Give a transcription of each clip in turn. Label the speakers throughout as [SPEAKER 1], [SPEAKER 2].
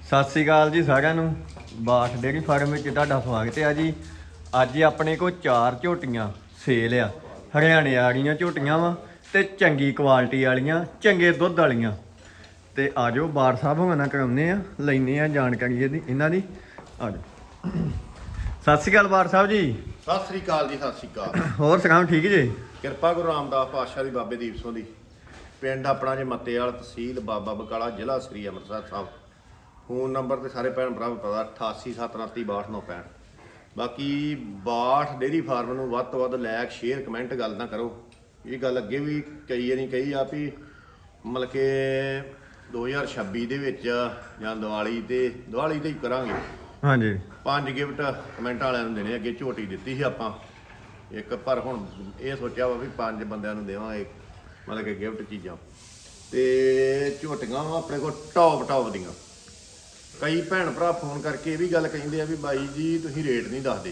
[SPEAKER 1] ਸਤਿ ਸ੍ਰੀ ਅਕਾਲ ਜੀ ਸਾਰਿਆਂ ਨੂੰ। ਬਾਠ ਡੇਅਰੀ ਫਾਰਮ ਵਿੱਚ ਤੁਹਾਡਾ ਸਵਾਗਤ ਹੈ ਜੀ। ਅੱਜ ਆਪਣੇ ਕੋਲ 4 ਝੋਟੀਆਂ ਸੇਲ ਆ। ਹਰਿਆਣੇ ਵਾਲੀਆਂ ਝੋਟੀਆਂ ਵਾ ਤੇ ਚੰਗੀ ਕੁਆਲਿਟੀ ਵਾਲੀਆਂ, ਚੰਗੇ ਦੁੱਧ ਵਾਲੀਆਂ। ਤੇ ਆਜੋ ਬਾਠ ਸਾਹਿਬ ਹੋਣਾ ਨਾਲ ਕਰਾਉਂਦੇ ਆ, ਲੈਨੇ ਆ ਜਾਣਕਾਰੀ ਇਹਨਾਂ ਦੀ। ਆਜੋ। ਸਤਿ ਸ੍ਰੀ ਅਕਾਲ ਬਾਠ ਸਾਹਿਬ ਜੀ।
[SPEAKER 2] ਸਤਿ ਸ੍ਰੀ ਅਕਾਲ ਜੀ, ਸਤਿ ਸ੍ਰੀ ਅਕਾਲ।
[SPEAKER 1] ਹੋਰ ਸੁਣਾਓ, ਠੀਕ ਜੀ?
[SPEAKER 2] ਕਿਰਪਾ ਗੁਰੂ ਰਾਮਦਾਸ ਪਾਤਸ਼ਾਹ ਦੀ, ਬਾਬੇ ਦੀਪ ਸਿੰਘ ਦੀ। ਪਿੰਡ ਆਪਣਾ ਜੇ ਮੱਤੇਵਾਲ, ਤਹਿਸੀਲ ਬਾਬਾ ਬਕਾਲਾ, ਜ਼ਿਲ੍ਹਾ ਸ੍ਰੀ ਅੰਮ੍ਰਿਤਸਰ ਸਾਹਿਬ। ਫੋਨ ਨੰਬਰ ਤੇ ਸਾਰੇ ਭੈਣ ਭਰਾ ਨੂੰ ਪਤਾ 8879326965। ਬਾਕੀ ਬਾਠ ਡੇਅਰੀ ਫਾਰਮ ਨੂੰ ਵੱਧ ਤੋਂ ਵੱਧ ਲਾਇਕ, ਸ਼ੇਅਰ, ਕਮੈਂਟ ਗੱਲ ਨਾ ਕਰੋ। ਇਹ ਗੱਲ ਅੱਗੇ ਵੀ ਕਈ ਵਾਰੀ ਕਹੀ ਆ ਵੀ ਮਤਲਬ ਕਿ 2026 ਦੇ ਵਿੱਚ ਜਾਂ ਦੀਵਾਲੀ ਤੇ ਹੀ ਕਰਾਂਗੇ।
[SPEAKER 1] ਹਾਂਜੀ।
[SPEAKER 2] 5 ਗਿਫਟ ਕਮੈਂਟ ਵਾਲਿਆਂ ਨੂੰ ਦੇਣੇ। ਅੱਗੇ ਝੋਟੀ ਦਿੱਤੀ ਸੀ ਆਪਾਂ ਇੱਕ, ਪਰ ਹੁਣ ਇਹ ਸੋਚਿਆ ਵਾ ਵੀ 5 ਬੰਦਿਆਂ ਨੂੰ ਦੇਵਾਂਗੇ ਮਤਲਬ ਕਿ ਗਿਫਟ ਚੀਜ਼ਾਂ। ਤੇ ਝੋਟੀਆਂ ਵਾ ਆਪਣੇ ਕੋਲ ਟੌਪ ਦੀਆਂ। ਕਈ ਭੈਣ ਭਰਾ ਫੋਨ ਕਰਕੇ ਇਹ ਵੀ ਗੱਲ ਕਹਿੰਦੇ ਆ ਵੀ ਬਾਈ ਜੀ ਤੁਸੀਂ ਰੇਟ ਨਹੀਂ ਦੱਸਦੇ।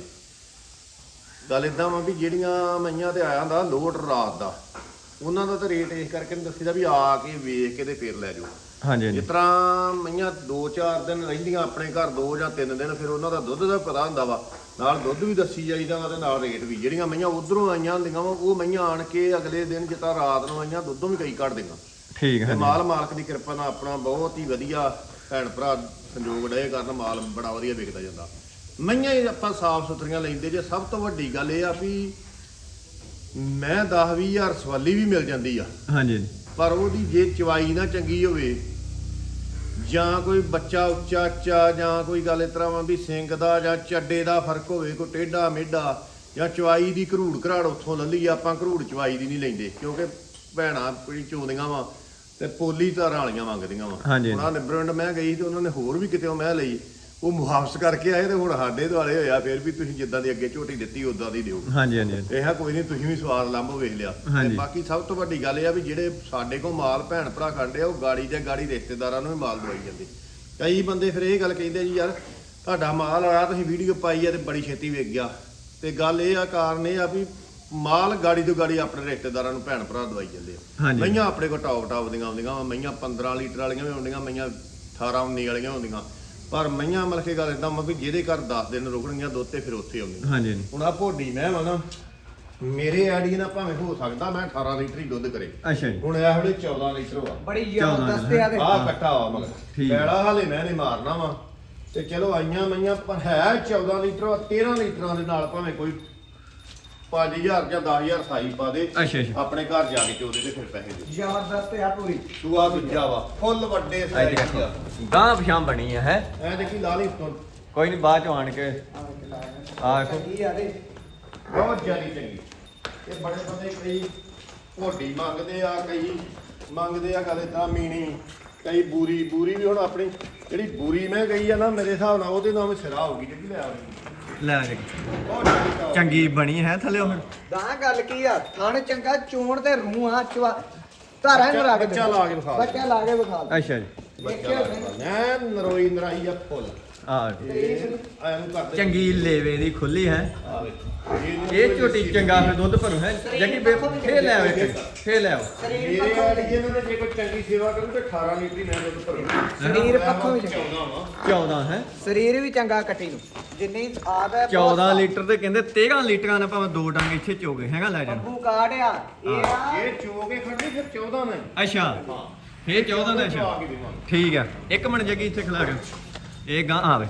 [SPEAKER 2] ਗੱਲ ਇਦਾਂ ਵਾ ਵੀ ਜਿਹੜੀਆਂ ਮਈਆਂ ਤੇ ਆਇਆ ਹੁੰਦਾ ਲੋਡ ਰਾਤ ਦਾ, ਉਹਨਾਂ ਦਾ ਤਾਂ ਰੇਟ ਇਸ ਕਰਕੇ ਨਹੀਂ ਦੱਸੀਦਾ ਵੀ ਆ ਕੇ ਵੇਖ ਕੇ ਤੇ ਫੇਰ ਲੈ ਜਾਓ।
[SPEAKER 1] ਹਾਂਜੀ।
[SPEAKER 2] ਜਿਸ ਤਰ੍ਹਾਂ ਮਈਆਂ 2-4 ਦਿਨ ਰਹਿੰਦੀਆਂ ਆਪਣੇ ਘਰ, 2 ਜਾਂ 3 ਦਿਨ, ਫਿਰ ਉਹਨਾਂ ਦਾ ਦੁੱਧ ਦਾ ਪਤਾ ਹੁੰਦਾ ਵਾ, ਨਾਲ ਦੁੱਧ ਵੀ ਦੱਸੀ ਜਾਈਦਾ ਵਾ ਤੇ ਨਾਲ ਰੇਟ ਵੀ। ਜਿਹੜੀਆਂ ਮਈਆਂ ਉਧਰੋਂ ਆਈਆਂ ਹੁੰਦੀਆਂ ਵਾ ਉਹ ਮਈਆਂ ਆਣ ਕੇ ਅਗਲੇ ਦਿਨ ਜਿੱਦਾਂ ਰਾਤ ਨੂੰ ਆਈਆਂ ਦੁੱਧੋਂ ਵੀ ਕਈ ਕੱਢ ਦੇਗਾ।
[SPEAKER 1] ਠੀਕ ਹੈ।
[SPEAKER 2] ਮਾਲ ਮਾਲਕ ਦੀ ਕਿਰਪਾ ਨਾਲ ਆਪਣਾ ਬਹੁਤ ਹੀ ਵਧੀਆ ਭੈਣ ਭਰਾ ਸੰਯੋਗ ਡਏ ਕਰਨ, ਮਾਲ ਬੜਾ ਵਧੀਆ ਵਿਕਦਾ ਜਾਂਦਾ। ਮਈਆਂ ਹੀ ਆਪਾਂ ਸਾਫ ਸੁਥਰੀਆਂ ਲੈਂਦੇ ਜੇ। ਸਭ ਤੋਂ ਵੱਡੀ ਗੱਲ ਇਹ ਆ ਵੀ ਮੈਂ 10-20 ਹਜ਼ਾਰ ਸਵਾਲੀ ਵੀ ਮਿਲ ਜਾਂਦੀ ਆ।
[SPEAKER 1] ਹਾਂਜੀ।
[SPEAKER 2] ਪਰ ਉਹਦੀ ਜੇ ਚਵਾਈ ਨਾ ਚੰਗੀ ਹੋਵੇ, ਜਾਂ ਕੋਈ ਬੱਚਾ ਉੱਚਾ ਜਾਂ ਕੋਈ ਗੱਲ ਇਸ ਤਰ੍ਹਾਂ ਵਾ ਵੀ ਸਿੰਘ ਦਾ ਜਾਂ ਚੱਡੇ ਦਾ ਫਰਕ ਹੋਵੇ, ਕੋਈ ਟੇਢਾ ਮੇਢਾ, ਜਾਂ ਚਵਾਈ ਦੀ ਘਰੂੜ ਘਰਾੜ ਉੱਥੋਂ ਲੱਲੀ। ਆਪਾਂ ਘਰੂੜ ਚਵਾਈ ਦੀ ਨਹੀਂ ਲੈਂਦੇ ਕਿਉਂਕਿ ਭੈਣਾਂ ਕੋਈ ਚੋਂਦੀਆਂ ਵਾ ਤੇ ਪੋਲੀ ਧਾਰਾਂ ਵਾਲੀਆਂ ਮੰਗਦੀਆਂ ਵਾ। ਉਹਨਾਂ ਨੇ ਬ੍ਰਾਂਡ ਮੈਂ ਗਈ ਤੇ ਉਹਨਾਂ ਨੇ ਹੋਰ ਵੀ ਕਿਤੇ ਮੈਂ ਲਈ, ਉਹ ਮੁਹਾਫਸ ਕਰਕੇ ਆਏ ਤੇ ਹੁਣ ਸਾਡੇ ਦੁਆਲੇ ਹੋਇਆ ਫਿਰ ਵੀ ਤੁਸੀਂ ਜਿੱਦਾਂ ਦੀ ਅੱਗੇ ਝੋਟੀ ਦਿੱਤੀ ਉਦਾਂ ਦੀ ਦਿਓ।
[SPEAKER 1] ਹਾਂਜੀ ਹਾਂਜੀ।
[SPEAKER 2] ਇਹ ਕੋਈ ਨਹੀਂ, ਤੁਸੀਂ ਵੀ ਸਵਾਦ ਲੰਬੋ ਵੇਖ ਲਿਆ। ਤੇ ਬਾਕੀ ਸਭ ਤੋਂ ਵੱਡੀ ਗੱਲ ਇਹ ਆ ਵੀ ਜਿਹੜੇ ਸਾਡੇ ਕੋਲ ਮਾਲ ਭੈਣ ਭਰਾ ਖੜਦੇ ਆ ਉਹ ਗਾੜੀ ਤੇ ਗਾੜੀ ਰਿਸ਼ਤੇਦਾਰਾਂ ਨੂੰ ਵੀ ਮਾਲ ਦਵਾਈ ਜਾਂਦੇ। ਕਈ ਬੰਦੇ ਫਿਰ ਇਹ ਗੱਲ ਕਹਿੰਦੇ ਜੀ ਯਾਰ ਤੁਹਾਡਾ ਮਾਲ ਆਇਆ, ਤੁਸੀਂ ਵੀਡੀਓ ਪਾਈ ਆ ਤੇ ਬੜੀ ਛੇਤੀ ਵਿਕ ਗਿਆ। ਤੇ ਗੱਲ ਇਹ ਆ, ਕਾਰਨ ਇਹ ਆ ਵੀ ਮਾਲ ਗਾੜੀ ਤੋਂ ਗਾੜੀ ਆਪਣੇ ਰਿਸ਼ਤੇਦਾਰਾਂ ਨੂੰ ਭੈਣ ਭਰਾ ਦਵਾਈ ਜਾਂਦੇ ਆ। ਮਈਆਂ ਆਪਣੇ ਕੋਲ ਟੌਪ ਦੀਆਂ ਆਉਂਦੀਆਂ, ਮਈਆਂ 15 ਲੀਟਰ ਵਾਲੀਆਂ ਵੀ ਆਉਂਦੀਆਂ, ਮਈਆਂ 18-19 ਵਾਲੀਆਂ ਆਉਂਦੀਆਂ। ਪਰ ਮਈਆਂ ਮਤਲਬ ਕਿ ਗੱਲ ਇਦਾਂ ਵਾ ਵੀ ਜਿਹਦੇ ਘਰ 10 ਦਿਨ ਰੁਕਣਗੀਆਂ ਦੁੱਧ ਤੇ ਫਿਰ ਉੱਥੇ ਆਉਂਦੀਆਂ। ਹਾਂਜੀ। ਹੁਣ ਆ ਭੋਡੀ ਮੈਂ ਵਾ ਨਾ, ਮੇਰੇ ਆਈਡੀ ਨਾਲ ਭਾਵੇਂ ਹੋ ਸਕਦਾ ਮੈਂ 18 ਲੀਟਰ ਹੀ ਦੁੱਧ ਕਰੇ।
[SPEAKER 1] ਅੱਛਾ ਜੀ।
[SPEAKER 2] ਹੁਣ ਇਹ ਵੇਲੇ 14 ਲੀਟਰ ਵਾ।
[SPEAKER 3] ਬੜੀ ਜ਼ਬਰਦਸਤ ਆ ਤੇ
[SPEAKER 2] ਆਹ ਕੱਟਾ ਵਾ ਮਗਰ ਪੈੜਾ ਹਾਲੇ ਮੈਂ ਨਹੀਂ ਮਾਰਨਾ ਵਾ। ਤੇ ਚਲੋ ਆਈਆਂ ਮਈਆਂ ਪਰ ਹੈ 14 ਲੀਟਰ ਵਾ। 13 ਲੀਟਰਾਂ ਦੇ ਨਾਲ ਭਾਵੇਂ ਕੋਈ 5000 ਜਾਂ 10000 ਸਾਈ ਪਾ ਦੇ।
[SPEAKER 1] ਅੱਛਾ।
[SPEAKER 2] ਆਪਣੇ ਘਰ ਜਾ ਕੇ ਚੋਦੇ ਤੇ ਫਿਰ ਪੈਸੇ ਦੇ।
[SPEAKER 3] ਜ਼ਬਰਦਸਤ ਆ ਪੂਰੀ।
[SPEAKER 2] ਸੂਆ ਦੂਜਾ ਵਾ, ਫੁੱਲ ਵੱਡੇ ਸਾਈਜ਼ ਦਾ।
[SPEAKER 1] ਗਾਂ ਪਛਾਣ ਬਣੀ ਹੈ।
[SPEAKER 2] ਐ ਦੇਖੀ ਲਾਲੀ ਤੋਂ
[SPEAKER 1] ਕੋਈ ਨਹੀਂ, ਬਾਅਦ ਚ ਆਣ ਕੇ ਆ ਦੇਖੋ।
[SPEAKER 2] ਬਹੁਤ ਜ਼ਿਆਦਾ ਚੰਗੀ। ਇਹ ਬੜੇ ਬੰਦੇ ਕਈ ਭੋਡੀ ਮੰਗਦੇ ਆ, ਕਈ ਮੰਗਦੇ ਆ ਗੱਲ ਇਦਾਂ ਮੀਣੀ, ਕਈ ਬੂਰੀ ਵੀ। ਹੁਣ ਆਪਣੀ ਜਿਹੜੀ ਬੂਰੀ ਮੈਂ ਗਈ ਆ ਨਾ, ਮੇਰੇ ਹਿਸਾਬ ਨਾਲ ਉਹਦੇ ਨਾਮ ਸਿਰਾ ਹੋਊਗੀ ਜਿਹੜੀ ਲੈ ਆਉਣੀ।
[SPEAKER 1] ਲੈ ਜੀ, ਚੰਗੀ ਬਣੀ ਹੈ ਥੱਲੇ ਹੁਣ।
[SPEAKER 3] ਗਾਂ ਗੱਲ ਕੀ ਆ, ਥਣ ਚੰਗਾ, ਚੋਣ ਤੇ ਰੂਹ ਆ, ਚਵਾ ਧਾਰਾਂ ਨੂੰ ਰੱਖ ਦੇ।
[SPEAKER 2] ਬੱਚਾ ਲਾ ਕੇ ਵਿਖਾ।
[SPEAKER 3] ਬੱਚਾ ਲਾ ਕੇ ਵਿਖਾ।
[SPEAKER 1] ਅੱਛਾ ਜੀ।
[SPEAKER 2] ਐ ਨਰੋਈ ਨਰਾਈ ਆ ਫੁੱਲ।
[SPEAKER 1] ਆ
[SPEAKER 2] ਐਨੂੰ ਕਰਦੇ
[SPEAKER 1] ਚੰਗੀ ਲੇਵੇ ਦੀ ਖੁੱਲੀ ਹੈ।
[SPEAKER 2] ਆ ਵੇ
[SPEAKER 1] ਇਹ ਝੋਟੀ ਚੰਗਾ ਫਿਰ ਦੁੱਧ ਭਰੂ ਹੈ। ਜੱਗੀ ਫੇਰ ਲੈ ਆਵੇ, ਫੇਰ ਲੈ ਆਓ।
[SPEAKER 2] ਮੇਰੇ ਵਾਲੀ ਇਹਨਾਂ ਨੇ ਜੇ ਕੋਈ ਚੰਗੀ ਸੇਵਾ ਕਰੂ ਤੇ 18 ਲੀਟਰ ਹੀ ਮੈਂ ਦੁੱਧ ਭਰੂ।
[SPEAKER 3] ਸਰੀਰ ਪੱਖੋਂ ਵੀ
[SPEAKER 2] 14 ਵਾ।
[SPEAKER 1] 14 ਹੈ।
[SPEAKER 3] ਸਰੀਰ ਵੀ ਚੰਗਾ ਕੱਟੀ ਨੂੰ ਜਿੰਨੀ ਆਦ ਹੈ।
[SPEAKER 1] 14 ਲੀਟਰ ਤੇ ਕਹਿੰਦੇ 13 ਲੀਟਰਾਂ ਨਾਲ ਭਾਵੇਂ 2 ਡੰਗ ਇੱਥੇ ਚੋਗੇ ਹੈਗਾ ਲੈ ਜਾਣ।
[SPEAKER 3] ਬੱਬੂ ਕਾੜ ਆ ਇਹ ਆ।
[SPEAKER 2] ਇਹ ਚੋ ਕੇ ਖੜਨੀ ਫਿਰ 14 ਨਹੀਂ।
[SPEAKER 1] ਅੱਛਾ।
[SPEAKER 2] ਹਾਂ
[SPEAKER 1] ਇਹ 14 ਦਾ। ਅੱਛਾ ਠੀਕ ਆ। ਇੱਕ ਮਿੰਟ ਜੱਗੀ ਇੱਥੇ ਖਿਲਾ ਕੇ ਇਹ ਗਾਂ ਆਵੇ।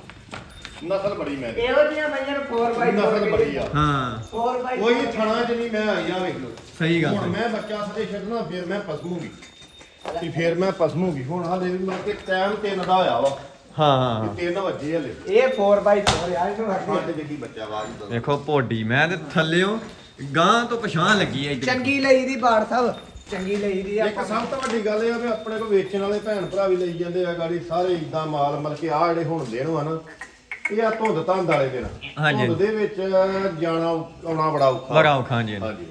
[SPEAKER 2] ਨਸਲ ਬੜੀ ਮੈਂ
[SPEAKER 3] ਇਹੋ ਜਿਹੀਆਂ ਮਈਆਂ ਨੂੰ 4x4
[SPEAKER 2] ਨਸਲ ਬੜੀ ਆ।
[SPEAKER 1] ਹਾਂ
[SPEAKER 3] 4x4
[SPEAKER 2] ਕੋਈ ਥਣਾ ਚ ਨਹੀਂ ਮੈਂ ਆਈ ਆ ਵੇਖ ਲਓ।
[SPEAKER 1] ਸਹੀ ਗੱਲ।
[SPEAKER 2] ਹੁਣ ਮੈਂ ਬੱਚਾ ਸਦੇ ਛੱਡਣਾ ਫਿਰ ਮੈਂ ਪਸਮੂਗੀ ਕਿ ਫਿਰ ਮੈਂ ਪਸਮੂਗੀ। ਹੁਣ ਹਾਲੇ ਵੀ ਮੈਂ ਕਿ ਟਾਈਮ 3 ਦਾ ਹੋਇਆ ਵਾ।
[SPEAKER 1] ਹਾਂ
[SPEAKER 2] 3 ਵਜੇ ਹਲੇ।
[SPEAKER 3] ਇਹ 4x4 ਆ। ਇਹਨੂੰ ਰੱਖ
[SPEAKER 2] ਸਾਡੇ ਜੱਗੀ ਬੱਚਾ ਆਵਾਜ਼ ਦਾ
[SPEAKER 1] ਦੇਖੋ ਭੋਡੀ ਮੈਂ ਤੇ ਥੱਲਿਓ ਗਾਂ ਤੋਂ ਪਛਾਣ ਲੱਗੀ ਐ।
[SPEAKER 3] ਚੰਗੀ ਲਈ ਦੀ ਬਾੜ ਸਾਹਿਬ, ਚੰਗੀ ਲਈ ਦੀ
[SPEAKER 2] ਇੱਕ ਸਭ ਤੋਂ ਵੱਡੀ ਗੱਲ ਇਹ ਆ ਵੀ ਆਪਣੇ ਕੋਲ ਵੇਚਣ ਵਾਲੇ ਭੈਣ ਭਰਾ ਵੀ ਲਈ ਜਾਂਦੇ ਆ ਗਾੜੀ ਸਾਰੇ ਇਦਾਂ ਮਾਲ ਮਤਲਬ ਕਿ ਆ ਜਿਹੜੇ ਹੁਣ ਦੇਣ ਆ ਨਾ, ਇਹ ਆ ਧੁੰਦ ਧੰਦ ਵਾਲੇ ਦਿਨ।
[SPEAKER 1] ਹਾਂਜੀ।
[SPEAKER 2] ਧੁੰਦ ਦੇ ਵਿੱਚ ਜਾਣਾ ਆਉਣਾ ਬੜਾ ਔਖਾ।
[SPEAKER 1] ਬੜਾ ਔਖਾ। ਹਾਂਜੀ
[SPEAKER 2] ਹਾਂਜੀ।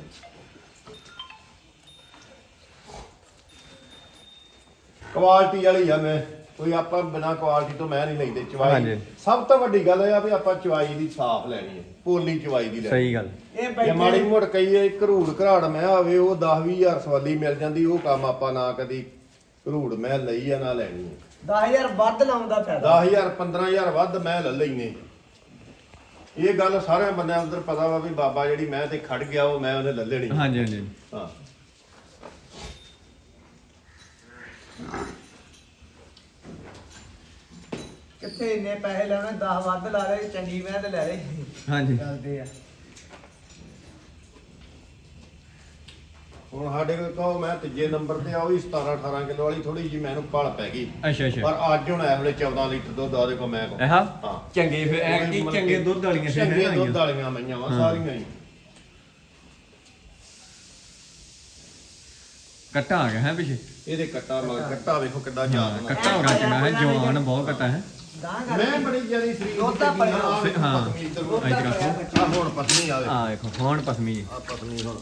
[SPEAKER 2] ਕੁਆਲਿਟੀ ਵਾਲੀ ਆ ਮੈਂ, ਕੋਈ ਆਪਾਂ ਬਿਨਾ ਕੁਆਲਿਟੀ ਤੋਂ ਮੈਂ ਨਹੀਂ ਲੈਂਦੇ। ਚਵਾਈ ਸਭ ਤੋਂ ਵੱਡੀ ਗੱਲ ਇਹ ਆ ਵੀ ਆਪਾਂ ਚਵਾਈ ਦੀ ਸਾਫ਼ ਲੈਣੀ ਹੈ, ਪੋਲੀ ਚਵਾਈ ਦੀ ਲੈਣੀ।
[SPEAKER 1] ਸਹੀ ਗੱਲ।
[SPEAKER 3] ਇਹ
[SPEAKER 2] ਜੇ ਮਾੜੀ ਮੋੜ ਕਈ ਘਰੂੜ ਘਰਾੜ ਮੈਂ ਆਵੇ ਉਹ 10-20 ਹਜ਼ਾਰ ਸਵਾਲੀ ਮਿਲ ਜਾਂਦੀ। ਉਹ ਕੰਮ ਆਪਾਂ ਨਾ ਕਦੀ ਘਰੂੜ ਮੈਂ ਲਈ ਆ ਨਾ ਲੈਣੀ ਹੈ।
[SPEAKER 3] 10000 ਵੱਧ ਲਾਉਣ ਦਾ ਫਾਇਦਾ
[SPEAKER 2] 10000 15000 ਵੱਧ ਮੈਂ ਲੈ ਲੈਨੇ। ਇਹ ਗੱਲ ਸਾਰਿਆਂ ਬੰਦਿਆਂ ਅੰਦਰ ਪਤਾ ਵਾ ਵੀ ਬਾਬਾ ਜਿਹੜੀ ਮੈਂ ਤੇ ਖੜ ਗਿਆ ਉਹ ਮੈਂ ਉਹਨੇ ਲੈ ਲੈਣੀ।
[SPEAKER 1] ਹਾਂਜੀ ਹਾਂਜੀ
[SPEAKER 2] ਹਾਂ
[SPEAKER 3] ਕਿੱਥੇ ਇੰਨੇ ਪੈਸੇ ਲੈਣੇ 10 ਵੱਧ ਲਾ ਲੈ ਚੰਗੀ ਮੈਂ ਤੇ ਲੈ ਲੈ
[SPEAKER 1] ਹਾਂਜੀ
[SPEAKER 3] ਚੱਲਦੇ ਆ।
[SPEAKER 2] ਹੁਣ ਸਾਡੇ ਕੋਲ ਕਹੋ ਮੈਂ ਤੀਜੇ ਨੰਬਰ ਤੇ ਆ ਉਹ ਵੀ 17 18 ਕਿਲੋ ਵਾਲੀ ਥੋੜੀ ਜੀ ਮੈਨੂੰ ਭਲ ਪੈ ਗਈ।
[SPEAKER 1] ਅੱਛਾ ਅੱਛਾ
[SPEAKER 2] ਪਰ ਅੱਜ ਹੁਣ ਇਸ ਵੇਲੇ 14 ਲੀਟਰ ਦੁੱਧ ਆ ਦੇਖੋ ਮੈਂ ਕੋਲ।
[SPEAKER 1] ਇਹ
[SPEAKER 2] ਹਾਂ
[SPEAKER 1] ਚੰਗੇ ਫਿਰ ਇਹ ਕੀ ਚੰਗੇ ਦੁੱਧ ਵਾਲੀਆਂ ਸੀ
[SPEAKER 2] ਚੰਗੇ ਦੁੱਧ ਵਾਲੀਆਂ ਮਈਆਂ ਵਾ ਸਾਰੀਆਂ ਹੀ।
[SPEAKER 1] ਕੱਟਾ ਆ ਗਿਆ ਹੈ ਪਿੱਛੇ
[SPEAKER 2] ਇਹਦੇ ਕੱਟਾ ਮਗਰ ਕੱਟਾ ਵੇਖੋ ਕਿੱਡਾ ਜ਼ਿਆਦਾ ਨਾ।
[SPEAKER 1] ਕੱਟਾ ਹੋਗਾ ਚੰਗਾ ਹੈ ਜਵਾਨ ਬਹੁਤ ਕੱਟਾ ਹੈ
[SPEAKER 3] ਗਾਂ
[SPEAKER 2] ਮੈਂ ਬੜੀ ਜਿਆਦੀ ਸਰੀਰ
[SPEAKER 3] ਦੁੱਧ ਤਾਂ
[SPEAKER 2] ਦੀ ਚੰਗੀ
[SPEAKER 3] ਪਲਿਆ।
[SPEAKER 2] ਆ,
[SPEAKER 1] ਹਾਂ।
[SPEAKER 2] ਪਤਨੀ ਇੱਧਰ ਨੂੰ।
[SPEAKER 1] ਇੱਧਰ ਰੱਖੋ।
[SPEAKER 2] ਆ ਹੁਣ ਪਤਨੀ ਆਵੇ
[SPEAKER 1] ਆ ਵੇਖੋ ਹੁਣ ਪਸਮੀ ਜੀ।
[SPEAKER 2] ਆ ਪਤਨੀ ਹੁਣ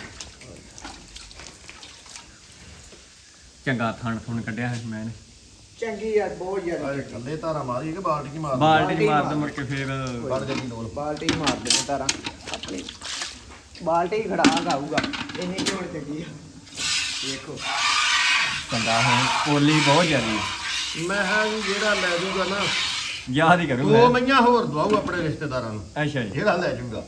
[SPEAKER 1] ਚੰਗਾ ਥਣ ਥੁਣ ਕੱਢਿਆ ਹੈ ਮੈਂ
[SPEAKER 3] ਚੰਗੀ ਆ ਬਹੁਤ ਜ਼ਿਆਦਾ
[SPEAKER 2] ਆ ਕੱਲੇ ਧਾਰਾ ਮਾਰੀ ਕਿ ਬਾਲਟੀ ਕੀ ਮਾਰ
[SPEAKER 1] ਬਾਲਟੀ ਚ ਮਾਰ ਦੋ ਮੁੜ ਕੇ ਫੇਰ
[SPEAKER 2] ਵੜ ਜਾਂਦੀ ਡੋਲ।
[SPEAKER 3] ਬਾਲਟੀ ਹੀ ਮਾਰ ਦੇ ਤਾਰਾ ਆਪਣੀ ਬਾਲਟੀ ਹੀ ਖੜਾ ਗਾਊਗਾ ਇੰਨੀ ਝੋਲ ਚੰਗੀ ਆ ਦੇਖੋ
[SPEAKER 1] ਚੰਗਾ ਹੈ ਪੋਲੀ ਬਹੁਤ ਜ਼ਿਆਦੀ ਹੈ।
[SPEAKER 2] ਮੈਂ ਹਾਂ ਜੀ ਜਿਹੜਾ ਲੈ ਜੂਗਾ ਨਾ
[SPEAKER 1] ਯਾਦ ਹੀ
[SPEAKER 2] ਦੋ
[SPEAKER 1] ਕਰੂੰਗਾ
[SPEAKER 2] ਮਈਆਂ ਹੋਰ ਦਵਾਉ ਆਪਣੇ ਰਿਸ਼ਤੇਦਾਰਾਂ ਨੂੰ।
[SPEAKER 1] ਅੱਛਾ ਜੀ
[SPEAKER 2] ਜਿਹੜਾ ਲੈ ਜੂਗਾ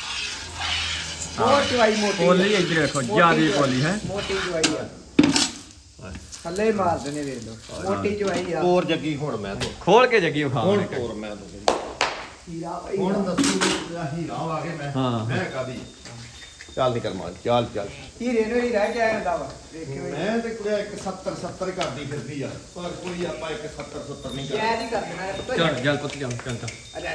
[SPEAKER 3] ਬਹੁਤ ਚਵਾਈ ਮੋਟੀ
[SPEAKER 1] ਪੋਲੀ ਇੱਧਰ ਵੇਖੋ ਜ਼ਿਆਦੀ ਪੋਲੀ ਹੈ।
[SPEAKER 3] ਮੋਟੀ ਚਵਾਈ ਆ ਥੱਲੇ ਮਾਰ ਦੇਣੇ ਵੇਖ ਲਓ ਮੋਟੀ ਚਵਾਈ ਆ
[SPEAKER 2] ਹੋਰ ਜੱਗੀ ਹੁਣ ਮੈਂ ਤੋਂ
[SPEAKER 1] ਖੋਲ ਕੇ ਜੱਗੀ ਖਾ
[SPEAKER 2] ਹੁਣ ਤੋਰ ਮੈਂ ਤੋਂ
[SPEAKER 3] ਹੀਰਾ ਭਾਈ
[SPEAKER 2] ਹੁਣ ਦੱਸੂ ਹੀਰਾ ਆ ਕੇ ਮੈਂ
[SPEAKER 1] ਹਾਂ।
[SPEAKER 2] ਮੈਂ ਕਾਦੀ ਚੱਲ ਨਿਕਲ ਮਾਰ ਚੱਲ ਚੱਲ।
[SPEAKER 3] ਹੀਰੇ ਨੂੰ ਹੀ ਰਹਿ ਗਿਆ ਹੁੰਦਾ ਵਾ ਦੇਖਿਓ
[SPEAKER 2] ਮੈਂ ਤੇ ਕੁੜਿਆ 170 ਕਰਦੀ ਫਿਰਦੀ ਆ ਪਰ ਕੋਈ ਆਪਾਂ 170 ਨਹੀਂ
[SPEAKER 3] ਜੈ
[SPEAKER 2] ਕਰਦੇ।
[SPEAKER 3] ਨਹੀਂ ਕਰ ਦੇਣਾ
[SPEAKER 1] ਚੱਲ ਜਲ ਪੁੱਤ ਚੱਲ ਚੱਲ ਚੱਲ
[SPEAKER 3] ਅਰੇ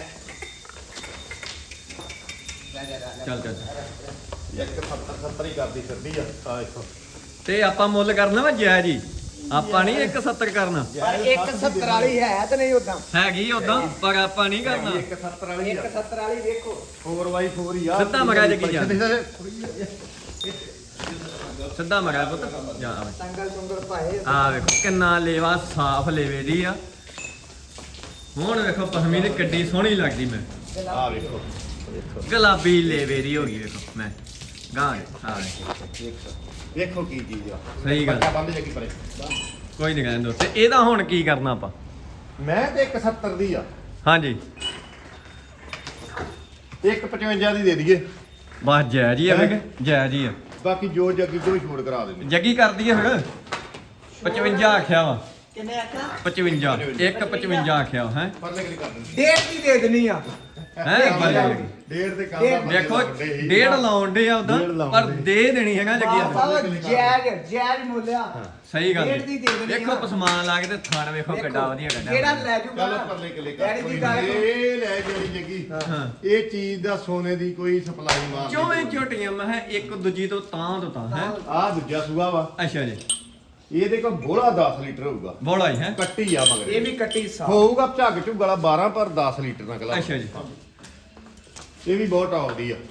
[SPEAKER 1] ਚੱਲ ਚੱਲ
[SPEAKER 2] 170 ਹੀ ਕਰਦੀ ਫਿਰਦੀ ਆ ਆ ਦੇਖੋ
[SPEAKER 1] ਤੇ ਆਪਾਂ ਮੁੱਲ ਕਰਨਾ ਵਾ ਜੈ ਜੀ ਆਪਾਂ ਨਹੀਂ 170 ਕਰਨਾ
[SPEAKER 3] ਪਰ 170 ਵਾਲੀ ਹੈ ਤੇ ਨਹੀਂ ਉਦਾਂ
[SPEAKER 1] ਹੈਗੀ ਉਦਾਂ ਪਰ ਆਪਾਂ ਨਹੀਂ ਕਰਨਾ
[SPEAKER 2] 170 ਵਾਲੀ ਆ
[SPEAKER 3] 170 ਵਾਲੀ ਵੇਖੋ
[SPEAKER 2] 4x4 ਹੀ ਆ
[SPEAKER 1] ਸਿੱਧਾ ਮਗਾ ਜੱਗੀ ਜਾ।
[SPEAKER 2] ਜਾ
[SPEAKER 1] ਸਿੱਧਾ ਮਗਾ ਪੁੱਤ ਜਾ ਆ ਵੇ।
[SPEAKER 3] ਸੰਗਲ ਸੁੰਦਰ ਭਾਏ
[SPEAKER 1] ਆ ਵੇਖੋ ਕਿੰਨਾ ਲੇਵਾ ਸਾਫ ਲੇਵੇ ਦੀ ਆ। ਹੁਣ ਵੇਖੋ ਪਸਮੀ ਦੀ ਕਿੱਡੀ ਸੋਹਣੀ ਲੱਗਦੀ ਮੈਂ
[SPEAKER 2] ਆ ਵੇਖੋ ਵੇਖੋ
[SPEAKER 1] ਗੁਲਾਬੀ ਲੇਵੇ ਦੀ ਹੋ ਗਈ ਵੇਖੋ ਮੈਂ ਗਾਂ ਆ
[SPEAKER 2] ਵੇਖੋ ਕੀ ਚੀਜ਼ ਆ
[SPEAKER 1] ਸਹੀ ਗੱਲ।
[SPEAKER 2] ਬੱਚਾ ਬੰਦ ਜੱਗੀ ਪਰੇ
[SPEAKER 1] ਕੋਈ ਨਹੀਂ ਕਹਿੰਦੇ ਤੇ ਇਹਦਾ ਹੁਣ ਕੀ ਕਰਨਾ ਆਪਾਂ
[SPEAKER 2] ਮੈਂ ਤੇ 170 ਦੀ ਆ
[SPEAKER 1] ਹਾਂਜੀ
[SPEAKER 2] 155 ਦੀ ਦੇ ਦਈਏ
[SPEAKER 1] ਬਸ ਜੈ ਜੀ ਆ ਵੇਖ ਜੈ ਜੀ ਆ
[SPEAKER 2] ਬਾਕੀ ਜੋ ਜੱਗੀ ਤੋਂ ਵੀ ਛੋੜ ਕਰਾ ਦਿੰਦੇ
[SPEAKER 1] ਜੱਗੀ ਕਰ ਦਈਏ ਫਿਰ 55 ਆਖਿਆ ਵਾ
[SPEAKER 3] ਕਿੰਨੇ ਆਖਿਆ
[SPEAKER 1] 55 155 ਆਖਿਆ ਹੈ
[SPEAKER 2] ਪਰਲੇ ਕਿਹੜੀ ਕਰ ਦਿੰਦੇ
[SPEAKER 3] ਡੇਢ ਦੀ ਦੇ ਦੇਣੀ ਆ
[SPEAKER 1] ਹੈ
[SPEAKER 2] ਡੇਢ ਦੇ ਕੰਮ
[SPEAKER 1] ਦੇਖੋ ਡੇਢ ਲਾਉਣ ਦੇ ਆ ਉਦਾਂ
[SPEAKER 2] ਡੇਢ ਲਾਉਣ
[SPEAKER 1] ਪਰ
[SPEAKER 2] ਡੇ।
[SPEAKER 1] ਦੇ ਦੇਣੀ ਹੈਗਾ ਜੱਗੀ
[SPEAKER 3] ਸਾਹਿਬ ਜੈਜ ਮੁੱਲਿਆ
[SPEAKER 1] ਸਹੀ ਗੱਲ
[SPEAKER 3] ਡੇਢ ਦੀ ਦੇ ਦੇਣੀ
[SPEAKER 1] ਵੇਖੋ
[SPEAKER 3] ਆ।
[SPEAKER 1] ਪਸਮਾਨ ਲਾ ਕੇ ਤੇ ਥਣ ਵੇਖੋ ਕਿੱਡਾ ਵਧੀਆ ਕੱਢਿਆ
[SPEAKER 3] ਜਿਹੜਾ ਲੈ ਜੂਗਾ
[SPEAKER 2] ਚਲੋ
[SPEAKER 3] ਨਾ,
[SPEAKER 2] ਪਰਲੇ ਕਿਲੇ
[SPEAKER 3] ਡੈਡੀ
[SPEAKER 2] ਕਰ
[SPEAKER 3] ਦੀ ਗੱਲ
[SPEAKER 2] ਇਹ ਲੈ ਜਿਹੜੀ ਜੱਗੀ
[SPEAKER 1] ਹਾਂ
[SPEAKER 2] ਇਹ ਚੀਜ਼ ਦਾ ਸੋਨੇ ਦੀ ਕੋਈ ਸਪਲਾਈ ਮਾਰ
[SPEAKER 1] ਚੋਵੇਂ ਝੋਟੀਆਂ ਮੈਂ ਕਿਹਾ ਇੱਕ ਦੂਜੀ ਤੋਂ ਤਾਂ ਹੈ
[SPEAKER 2] ਆ ਦੂਜਾ ਸੂਆ ਵਾ
[SPEAKER 1] ਅੱਛਾ ਜੀ
[SPEAKER 2] ਇਹਦੇ ਕੋਲ ਬੋਲਾ 10 ਲੀਟਰ ਹੋਊਗਾ
[SPEAKER 1] ਬੋਲਾ ਹੀ ਹੈ
[SPEAKER 2] ਕੱਟੀ ਆ ਮਗਰ
[SPEAKER 3] ਇਹ ਵੀ ਕੱਟੀ ਸਾਫ
[SPEAKER 2] ਹੋਊਗਾ ਝੱਗ ਝੁੱਗਲਾ 12 ਪਰ 10 ਲੀਟਰ ਨਾਲ ਗਲਾ
[SPEAKER 1] ਅੱਛਾ ਜੀ
[SPEAKER 2] ਇਹ ਵੀ ਬਹੁਤ ਆਉਂਦੀ ਆ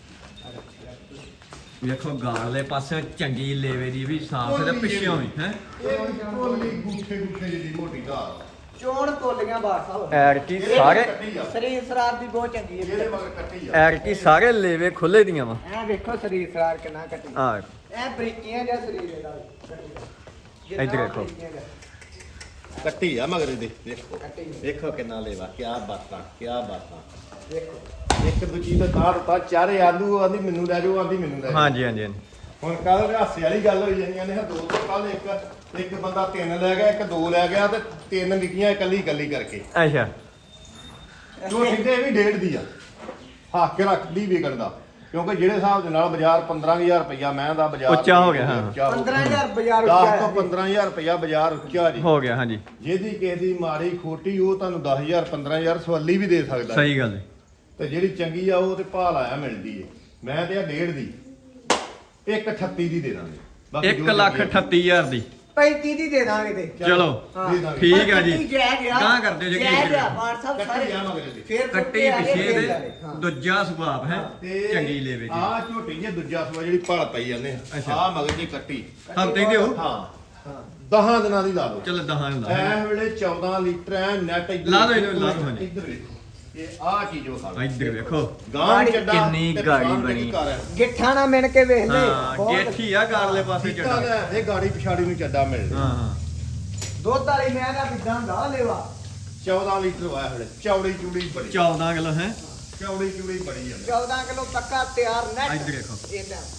[SPEAKER 1] ਵੇਖੋ ਗਾਲਲੇ ਪਾਸੇ ਚੰਗੀ ਲੇਵੇ ਦੀ ਵੀ ਸਾਫ ਤੇ ਪਿੱਛੋਂ ਵੀ ਹੈ
[SPEAKER 2] ਇਹ ਕੋਲੀ ਗੁੱਠੇ ਗੁੱਠੇ ਜਿਹੀ ਮੋਟੀ ਧਾਰ
[SPEAKER 3] ਚੋਣ ਤੋਲੀਆਂ ਬਾਰ ਸਾਹਿਬ
[SPEAKER 1] ਐਰਕੀ ਸਾਰੇ
[SPEAKER 3] ਸਰੀਰ ਸਰਾਰ ਦੀ ਬਹੁਤ ਚੰਗੀ ਹੈ
[SPEAKER 2] ਇਹਦੇ ਮਗਰ ਕੱਟੀ ਆ
[SPEAKER 1] ਐਰਕੀ ਸਾਰੇ ਲੇਵੇ ਖੁੱਲੇ ਦੀਆਂ ਵਾ
[SPEAKER 3] ਐ ਵੇਖੋ ਸਰੀਰ ਸਰਾਰ ਕਿੰਨਾ ਕੱਟੀ
[SPEAKER 1] ਆ
[SPEAKER 3] ਐ ਬਰੀਕੀਆਂ ਜਿਹਾ ਸਰੀਰ ਇਹਦਾ ਜਿੰਨਾ
[SPEAKER 1] ਇੱਧਰ ਵੇਖੋ।
[SPEAKER 3] ਬਰੀਕੀਆਂ ਜਿਹਾ।
[SPEAKER 2] ਕੱਟੀ ਆ ਮਗਰ ਇਹਦੇ ਦੇਖੋ
[SPEAKER 3] ਕੱਟੀ
[SPEAKER 2] ਵੇਖੋ ਕਿੰਨਾ ਲੇਵਾ ਕੀ ਬਾਤਾਂ ਕੀ ਬਾਤਾਂ
[SPEAKER 3] ਵੇਖੋ
[SPEAKER 2] ਇੱਕ ਦੂਜੀ ਦਾ ਤਾਰ ਤਾਂ ਚਾਰੇ ਆਲੂ ਆਂਦੀ ਮੈਨੂੰ ਲੈ ਜਾਓ ਆਂਦੀ ਮੈਨੂੰ ਲੈ ਜਾਓ
[SPEAKER 1] ਹਾਂਜੀ ਹਾਂਜੀ ਹਾਂਜੀ
[SPEAKER 2] ਹੁਣ ਕੱਲ ਹਾਸੇ ਵਾਲੀ ਗੱਲ ਹੋਈ ਜਾਂਦੀਆਂ ਨੇ ਦੋ ਤੋਂ ਕੱਲ ਇੱਕ ਬੰਦਾ ਤਿੰਨ ਲੈ ਗਿਆ ਇੱਕ ਦੋ ਲੈ ਗਿਆ ਤੇ ਤਿੰਨ ਵਿਕੀਆਂ ਇਕੱਲੀ ਕਰਕੇ
[SPEAKER 1] ਅੱਛਾ
[SPEAKER 2] ਝੋਟੀ ਤੇ ਇਹ ਵੀ ਡੇਢ ਦੀ ਆ ਹੱਕ ਕੇ ਰੱਖਦੀ ਵਿਕਣ ਦਾ ਕਿਉਂਕਿ ਜਿਹੜੇ ਹਿਸਾਬ ਦੇ ਨਾਲ ਬਾਜ਼ਾਰ 15000 ਰੁਪਇਆ ਮੈਂ ਦਾ ਬਾਜ਼ਾਰ
[SPEAKER 1] ਉੱਚਾ ਹੋ ਗਿਆ, ਹਾਂ।
[SPEAKER 2] ਉੱਚਾ ਹੋ ਗਿਆ।
[SPEAKER 3] 15000 ਬਾਜ਼ਾਰ
[SPEAKER 2] 10 ਤੋਂ 15000 ਰੁਪਇਆ ਬਾਜ਼ਾਰ ਉੱਚਾ ਜੀ
[SPEAKER 1] ਹੋ ਗਿਆ ਹਾਂਜੀ
[SPEAKER 2] ਜਿਹਦੀ ਕਿਸੇ ਦੀ ਮਾੜੀ ਖੋਟੀ ਉਹ ਤੁਹਾਨੂੰ 10000 15000 ਸਵਾਲੀ ਵੀ ਦੇ ਸਕਦਾ
[SPEAKER 1] ਸਹੀ ਗੱਲ ਹੈ
[SPEAKER 2] ਤੇ ਜਿਹੜੀ ਚੰਗੀ ਆ ਉਹ ਤੇ ਭਾਲ ਆਇਆ ਮਿਲਦੀ ਏ ਮੈਂ ਤੇ ਆ ਡੇਢ ਦੀ 138 ਦੀ ਦੇ ਦਾਂਗੇ ਬਾਕੀ ਜੋ
[SPEAKER 1] 1,38,000 ਦੀ
[SPEAKER 3] 35 ਦੀ ਦੇ ਦਾਂਗੇ ਤੇ
[SPEAKER 1] ਚਲੋ
[SPEAKER 3] ਹਾਂ।
[SPEAKER 2] ਦੇ ਦਾਂਗੇ।
[SPEAKER 1] ਠੀਕ ਆ ਜੀ
[SPEAKER 3] ਕੱਟੀ ਜੈ ਗਿਆ
[SPEAKER 1] ਗਾਂਹ ਕਰ ਦਿਓ ਜੀ
[SPEAKER 3] ਜੈ
[SPEAKER 1] ਕੀ
[SPEAKER 3] ਗਿਆ ਬਾਰ ਸਾਹਿਬ
[SPEAKER 2] ਕੱਟੀ
[SPEAKER 3] ਸਾਰੇ
[SPEAKER 2] ਆ ਮਗਰ ਦੀ
[SPEAKER 3] ਫੇਰ
[SPEAKER 1] ਕੱਟੀ ਪਿਛੇ
[SPEAKER 3] ਫੇਰ
[SPEAKER 1] ਦੇ
[SPEAKER 3] ਹਾਂ।
[SPEAKER 1] ਦੂਜਾ ਸੁਭਾਅ ਹੈ
[SPEAKER 2] ਤੇ
[SPEAKER 1] ਚੰਗੀ ਲੇਵੇ ਜੀ
[SPEAKER 2] ਆ ਝੋਟੀ ਜੇ ਦੂਜਾ ਸਵਾ ਜਿਹੜੀ ਭਾਲ ਪਈ ਜਾਂਦੇ
[SPEAKER 1] ਅੱਛਾ।
[SPEAKER 2] ਆ ਮਗਰ ਦੀ ਕੱਟੀ
[SPEAKER 1] ਹਫਤੇ ਦੀ ਹੋ
[SPEAKER 2] ਹਾਂ
[SPEAKER 3] ਹਾਂ
[SPEAKER 2] 10 ਦਿਨਾਂ ਦੀ ਲਾ ਲਓ
[SPEAKER 1] ਚਲ ਦਹਾਂ ਹੁੰਦਾ
[SPEAKER 2] ਐ ਵੇਲੇ 14 ਲੀਟਰ ਐ ਨੈਟ
[SPEAKER 1] ਲਾ ਦਿਓ ਇਹਨੂੰ, ਲਾ ਦਿਓ ਹਾਂਜੀ।
[SPEAKER 2] ਇੱਧਰ ਵੇਖੋ ਇਹ ਆ ਚੀਜ਼ ਉਹ ਖਾ
[SPEAKER 1] ਇੱਧਰ ਵੇਖੋ
[SPEAKER 2] ਗਾਂ ਚੱਡਾ
[SPEAKER 1] ਕਿੰਨੀ
[SPEAKER 2] ਤੇ
[SPEAKER 1] ਗਾੜੀ
[SPEAKER 2] ਪਛਾਣ ਦੇ
[SPEAKER 1] ਬਣੀ।
[SPEAKER 2] ਘਰ ਹੈ।
[SPEAKER 3] ਗਿੱਠਾ ਨਾ ਮਿਣ ਕੇ ਵੇਖ ਲੈ
[SPEAKER 1] ਹਾਂ ਗੇਠੀ ਆ ਗਾਰਲੇ ਪਾਸੇ
[SPEAKER 2] ਕੀਤਾ
[SPEAKER 1] ਚੱਡਾ
[SPEAKER 2] ਤਾਂ ਇਹ ਗਾੜੀ ਪਿਛਾੜੀ ਨੂੰ ਚੱਡਾ ਮਿਲ
[SPEAKER 1] ਹਾਂ ਹਾਂ
[SPEAKER 3] ਦੁੱਧ ਵਾਲੀ ਮੈਂ ਦਾ ਕਿਦਾਂ ਹੁੰਦਾ ਲੈਵਾ
[SPEAKER 2] 14 ਲੀਟਰ ਵਾਇਆ ਹਲੇ ਚੌੜੀ ਚੂੜੀ ਬੜੀ
[SPEAKER 1] 14 ਕਿਲੋ ਹੈ
[SPEAKER 2] ਚੌੜੀ ਚੂੜੀ ਬੜੀ ਆ
[SPEAKER 3] 14 ਕਿਲੋ ਪੱਕਾ ਤਿਆਰ ਨੈਟ
[SPEAKER 1] ਇੱਧਰ ਦੇਖੋ
[SPEAKER 3] ਇਹ ਲੈ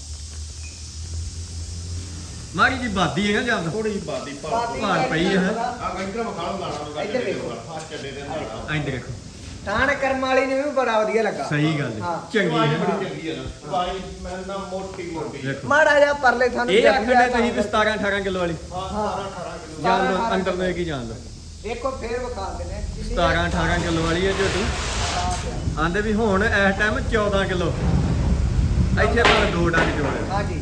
[SPEAKER 1] ਮਾਰੀ ਜੀ ਬਾਦੀ ਹੈਗਾ ਜਾਂ
[SPEAKER 2] ਥੋੜੀ ਜਿਹੀ ਬਾਦੀ
[SPEAKER 1] ਭਾਰ ਪਈ ਹੈ।
[SPEAKER 2] ਆ ਗੰਟਰ ਮਖਾਲ ਲਾਣਾ
[SPEAKER 3] ਇੱਧਰ ਵੇਖੋ।
[SPEAKER 2] ਆ ਚੱਡੇ ਦੇ ਨਾਲ
[SPEAKER 1] ਇੱਧਰ ਦੇਖੋ
[SPEAKER 3] ਥਾਣ ਕਰਮ ਵਾਲੀ ਨੇ ਵੀ ਬੜਾ ਵਧੀਆ ਲੱਗਾ
[SPEAKER 1] ਸਹੀ ਗੱਲ ਹੈ
[SPEAKER 3] ਹਾਂ।
[SPEAKER 1] ਚੰਗੀ
[SPEAKER 2] ਚੰਗੀ
[SPEAKER 1] ਹੈ
[SPEAKER 2] ਬੜੀ ਚੰਗੀ ਆ ਨਾ ਭਾਈ ਮੈਂ ਨਾ ਮੋਟੀ
[SPEAKER 1] ਦੇਖੋ
[SPEAKER 3] ਮਾੜਾ ਜਿਹਾ ਪਰਲੇ ਥਾਂ
[SPEAKER 1] ਇਹ ਆਖਣੇ ਤੁਸੀਂ ਵੀ 17 18 ਕਿਲੋ ਵਾਲੀ
[SPEAKER 2] ਹਾਂ 18 ਕਿਲੋ
[SPEAKER 1] ਜਾਣ ਲਓ ਅੰਦਰ ਨੂੰ ਕੀ ਜਾਣ ਲਓ
[SPEAKER 3] ਦੇਖੋ ਫੇਰ ਵਿਖਾ ਦਿੰਦੇ
[SPEAKER 1] 17 18 ਕਿਲੋ ਵਾਲੀ ਹੈ ਝੋਟੀ ਆਂਦੇ ਵੀ ਹੁਣ ਇਸ ਟਾਈਮ 14 ਕਿਲੋ ਇੱਥੇ ਪਰ 2 ਡੰਗ ਜੋੜੇ
[SPEAKER 3] ਹਾਂਜੀ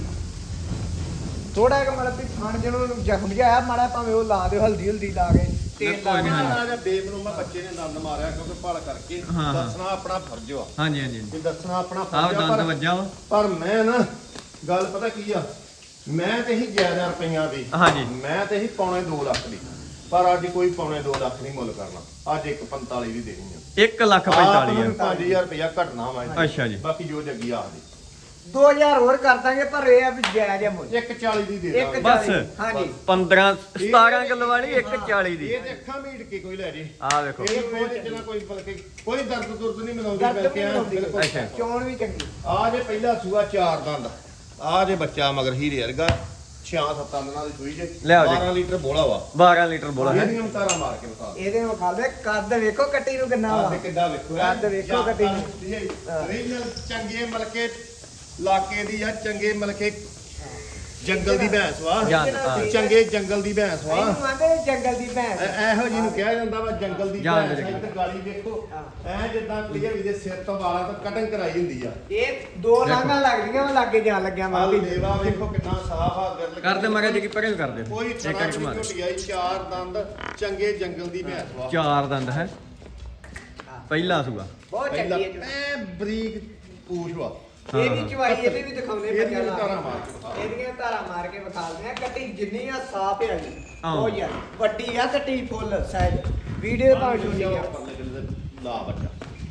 [SPEAKER 3] ਥੋੜਾ ਜਿਹਾ ਮਤਲਬ ਵੀ ਥਾਣ ਜਿਹਨੂੰ ਜ਼ਖਮ ਜਿਹਾ ਆਇਆ ਮਾੜਾ ਭਾਵੇਂ ਉਹ ਲਾ ਦਿਓ ਹਲਦੀ ਹਲਦੀ ਲਾ ਕੇ ਤੇਲ ਲਾ ਕੇ
[SPEAKER 2] ਆ ਜਾ ਬੇਬ ਨੂੰ ਮੈਂ ਬੱਚੇ ਨੇ ਦੰਦ ਮਾਰਿਆ ਕਿਉਂਕਿ ਭਲ ਕਰਕੇ
[SPEAKER 1] ਹਾਂ, ਹਾਂ।
[SPEAKER 2] ਦੱਸਣਾ ਆਪਣਾ ਫਰਜ਼ ਆ
[SPEAKER 1] ਹਾਂਜੀ ਹਾਂਜੀ
[SPEAKER 2] ਕਿ ਦੱਸਣਾ ਆਪਣਾ
[SPEAKER 1] ਆਹ
[SPEAKER 2] ਫਰਜ਼ ਆ
[SPEAKER 1] ਦੰਦ ਵੱਜਾ ਵਾ
[SPEAKER 2] ਪਰ ਮੈਂ ਨਾ ਗੱਲ ਪਤਾ ਕੀ ਆ ਮੈਂ ਤੇ ਹੀ 11 ਰੁਪਈਆਂ ਦੀ
[SPEAKER 1] ਹਾਂਜੀ।
[SPEAKER 2] ਮੈਂ ਤੇ ਹੀ ਪੌਣੇ 2 ਲੱਖ ਦੀ ਪਰ ਅੱਜ ਕੋਈ ਪੌਣੇ 2 ਲੱਖ ਨਹੀਂ ਮੁੱਲ ਕਰਨਾ ਅੱਜ 1.45 ਦੀ ਦੇਣੀ ਆ
[SPEAKER 1] 1 ਲੱਖ 45
[SPEAKER 2] 5000 ਰੁਪਇਆ ਘਟਣਾ ਵਾ ਇਹਦੇ।
[SPEAKER 1] ਅੱਛਾ ਜੀ।
[SPEAKER 2] ਬਾਕੀ ਜੋ ਜੱਗੀ ਆਖਦੀ
[SPEAKER 3] 2000 ਹੋਰ ਕਰ ਦਾਂਗੇ ਪਰ ਇਹ ਆ ਵੀ ਜਾਇਜ਼ ਹੈ ਮੁੱਲ
[SPEAKER 2] 1.40 ਦੀ ਦੇ
[SPEAKER 3] ਇੱਕ
[SPEAKER 2] ਦਾਂਗੇ
[SPEAKER 1] ਬਸ।
[SPEAKER 3] ਹਾਂਜੀ
[SPEAKER 1] 15 17 ਕਿਲੋ ਵਾਲੀ 140 ਦੀ
[SPEAKER 2] ਇਹ ਤੇ ਅੱਖਾਂ ਮੀਟ ਕੇ ਕੋਈ ਲੈ ਜੇ
[SPEAKER 1] ਆਹ ਵੇਖੋ
[SPEAKER 2] ਇਹ ਕੋਈ ਤੇ ਨਾ ਕੋਈ ਬਲਕਿ ਕੋਈ ਦਰਦ ਦੁਰਦ ਨਹੀਂ ਮਨਾਉਂਦੀ
[SPEAKER 3] ਦਰਦ
[SPEAKER 2] ਬਲਕਿ
[SPEAKER 3] ਵੀ ਬਣਾਉਂਦੀ
[SPEAKER 2] ਬਿਲਕੁਲ
[SPEAKER 1] ਅੱਛਾ।
[SPEAKER 3] ਚੋਣ ਵੀ ਚੰਗੀ
[SPEAKER 2] ਆ ਜੇ ਪਹਿਲਾ ਸੂਆ 4 ਦੰਦ ਆ ਜੇ ਬੱਚਾ ਮਗਰ ਹੀਰੇ ਵਰਗਾ 6-7 ਦੰਦਾਂ ਦੀ ਸੂਈ ਜੇ
[SPEAKER 1] ਲਿਆਓ ਜੀ।
[SPEAKER 2] 12 ਲੀਟਰ ਬੋਲਾ ਵਾ
[SPEAKER 1] 12 ਲੀਟਰ ਬੋਲਾ ਹੈ
[SPEAKER 2] ਇਹਦੀਆਂ ਤਾਰਾ ਮਾਰ ਕੇ ਬਤਾ
[SPEAKER 3] ਇਹਦੇ ਨੂੰ ਖਾ ਲੈ ਕੱਦ ਵੇਖੋ ਕੱਟੀ ਨੂੰ ਕਿੰਨਾ ਵਾ
[SPEAKER 2] ਦੇ ਕਿੱਦਾਂ ਵੇਖੋ
[SPEAKER 3] ਕੱਦ ਵੇਖੋ ਕੱਟੀ ਨੂੰ
[SPEAKER 2] ਰੀਜਨਲ ਚੰਗੇ ਮਲਕੇ ਇਲਾਕੇ ਦੀ ਆ ਚੰਗੇ ਮਲਕੇ ਜੰਗਲ ਦੀ ਭੈਂਸ ਵਾ
[SPEAKER 1] ਜਾਨ, ਹਾਂ।
[SPEAKER 2] ਚੰਗੇ ਜੰਗਲ ਦੀ ਭੈਂਸ ਵਾ
[SPEAKER 3] ਇਹਨੂੰ ਆਂਦੇ ਨੇ ਜੰਗਲ ਦੀ ਭੈਂਸ
[SPEAKER 2] ਇਹੋ ਜਿਹੀ ਨੂੰ ਕਿਹਾ ਜਾਂਦਾ ਵਾ ਜੰਗਲ ਦੀ
[SPEAKER 1] ਜਾਨ
[SPEAKER 2] ਭੈਂਸ
[SPEAKER 1] ਦੇ
[SPEAKER 2] ਇੱਧਰ ਗਾਲੀ ਦੇਖੋ ਐ ਜਿੱਦਾਂ ਕਲੀਅਰ ਦੇ ਸਿਰ ਤੋਂ ਵਾਲਾਂ ਤੋਂ ਕਟਿੰਗ ਕਰਾਈ ਹੁੰਦੀ ਆ
[SPEAKER 3] ਇਹ ਦੋ ਲਾਂਘਾਂ ਲੱਗਦੀਆਂ ਵਾ ਲਾਗੇ ਜਾਣ ਲੱਗਿਆ
[SPEAKER 2] ਆ
[SPEAKER 3] ਮਾਪੀ
[SPEAKER 2] ਲੇਵਾ ਵੇਖੋ ਕਿੰਨਾ ਸਾਫ ਆ ਗਿਰਲ
[SPEAKER 1] ਕਰਦੇ ਮਗਾ ਜੀ ਕੀ ਪਰੇ ਕਰਦੇ
[SPEAKER 2] ਕੋਈ
[SPEAKER 1] ਇੱਕ
[SPEAKER 2] ਤਰ੍ਹਾਂ
[SPEAKER 1] ਇੱਕ
[SPEAKER 2] ਦੀ
[SPEAKER 1] ਮਾਰ
[SPEAKER 2] ਝੋਟੀ ਆਈ 4 ਦੰਦ ਚੰਗੇ ਜੰਗਲ ਦੀ ਭੈਂਸ ਵਾ
[SPEAKER 1] 4 ਦੰਦ ਹੈ ਪਹਿਲਾ ਸੂਆ
[SPEAKER 3] ਬਹੁਤ
[SPEAKER 2] ਪਹਿਲਾਂ
[SPEAKER 3] ਚੰਗੀ ਹੈ
[SPEAKER 2] ਐ ਬਰੀਕ ਪੂਛ ਵਾ
[SPEAKER 3] ਇਹ ਵੀ ਚਵਾਈ ਇਹਦੇ ਵੀ ਦਿਖਾਉਨੇ
[SPEAKER 2] ਇਹਦੀਆਂ
[SPEAKER 3] ਬੱਚਾ
[SPEAKER 2] ਤਾਰਾਂ ਮਾਰ ਕੇ ਵਿਖਾ।
[SPEAKER 3] ਇਹਦੀਆਂ ਧਾਰਾਂ ਮਾਰ ਕੇ ਵਿਖਾਉਂਦੇ ਆ ਕੱਟੀ ਜਿੰਨੀ ਆ ਸਾਫ ਹੈ ਜੀ
[SPEAKER 1] ਹਾਂ।
[SPEAKER 3] ਉਹ ਯਾਰ ਵੱਡੀ ਆ ਕੱਟੀ ਫੁੱਲ ਸਾਈਜ਼ ਵੀਡੀਓ ਭਾਵੇਂ ਛੋਟੀ ਆ
[SPEAKER 2] ਲਾ ਬੱਚਾ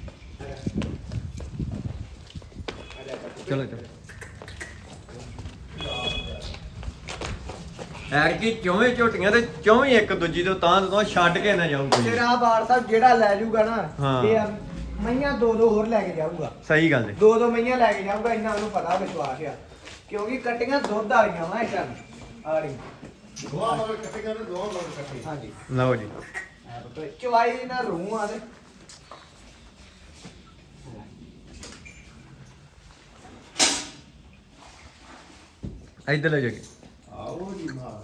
[SPEAKER 1] ਚਲੋ ਚਲੋ ਐਰ ਕੀ ਚੌਵੇਂ ਝੋਟੀਆਂ ਤੇ ਚੌਵੇਂ ਇੱਕ ਦੂਜੀ ਤੋਂ ਤਾਂ ਛੱਡ ਕੇ ਨਾ ਜਾਊ ਕੋਈ
[SPEAKER 3] ਤੇਰਾ ਬਾੜ ਸਾਹਿਬ ਜਿਹੜਾ ਲੈ ਜੂਗਾ ਨਾ
[SPEAKER 1] ਹਾਂ।
[SPEAKER 3] ਇਹ ਆ, ਮਈਆਂ ਦੋ ਦੋ ਹੋਰ ਲੈ ਕੇ ਜਾਊਗਾ
[SPEAKER 1] ਸਹੀ ਗੱਲ ਹੈ
[SPEAKER 3] ਦੋ ਦੋ ਮਈਆਂ ਲੈ ਕੇ ਜਾਊਗਾ ਇੰਨਾ ਉਹਨੂੰ ਪਤਾ ਵਿਸ਼ਵਾਸ ਆ ਕਿਉਂਕਿ ਕੱਟੀਆਂ ਦੁੱਧ ਵਾਲੀਆਂ ਵਾ ਇਦਾਂ ਆ ਰਹੀ
[SPEAKER 2] ਦੋਆ ਮਗਰ ਇਕੱਠੇ ਕਰਦੇ ਦੋਆ ਮਗਰ ਇਕੱਠੇ
[SPEAKER 3] ਹਾਂਜੀ
[SPEAKER 1] ਲਓ ਜੀ
[SPEAKER 3] ਚਵਾਈ ਨਾ ਰੂਹ ਆ ਤੇ
[SPEAKER 1] ਇੱਧਰ ਲੈ ਜਾ ਕੇ
[SPEAKER 2] ਆਓ ਜੀ ਮਾਰ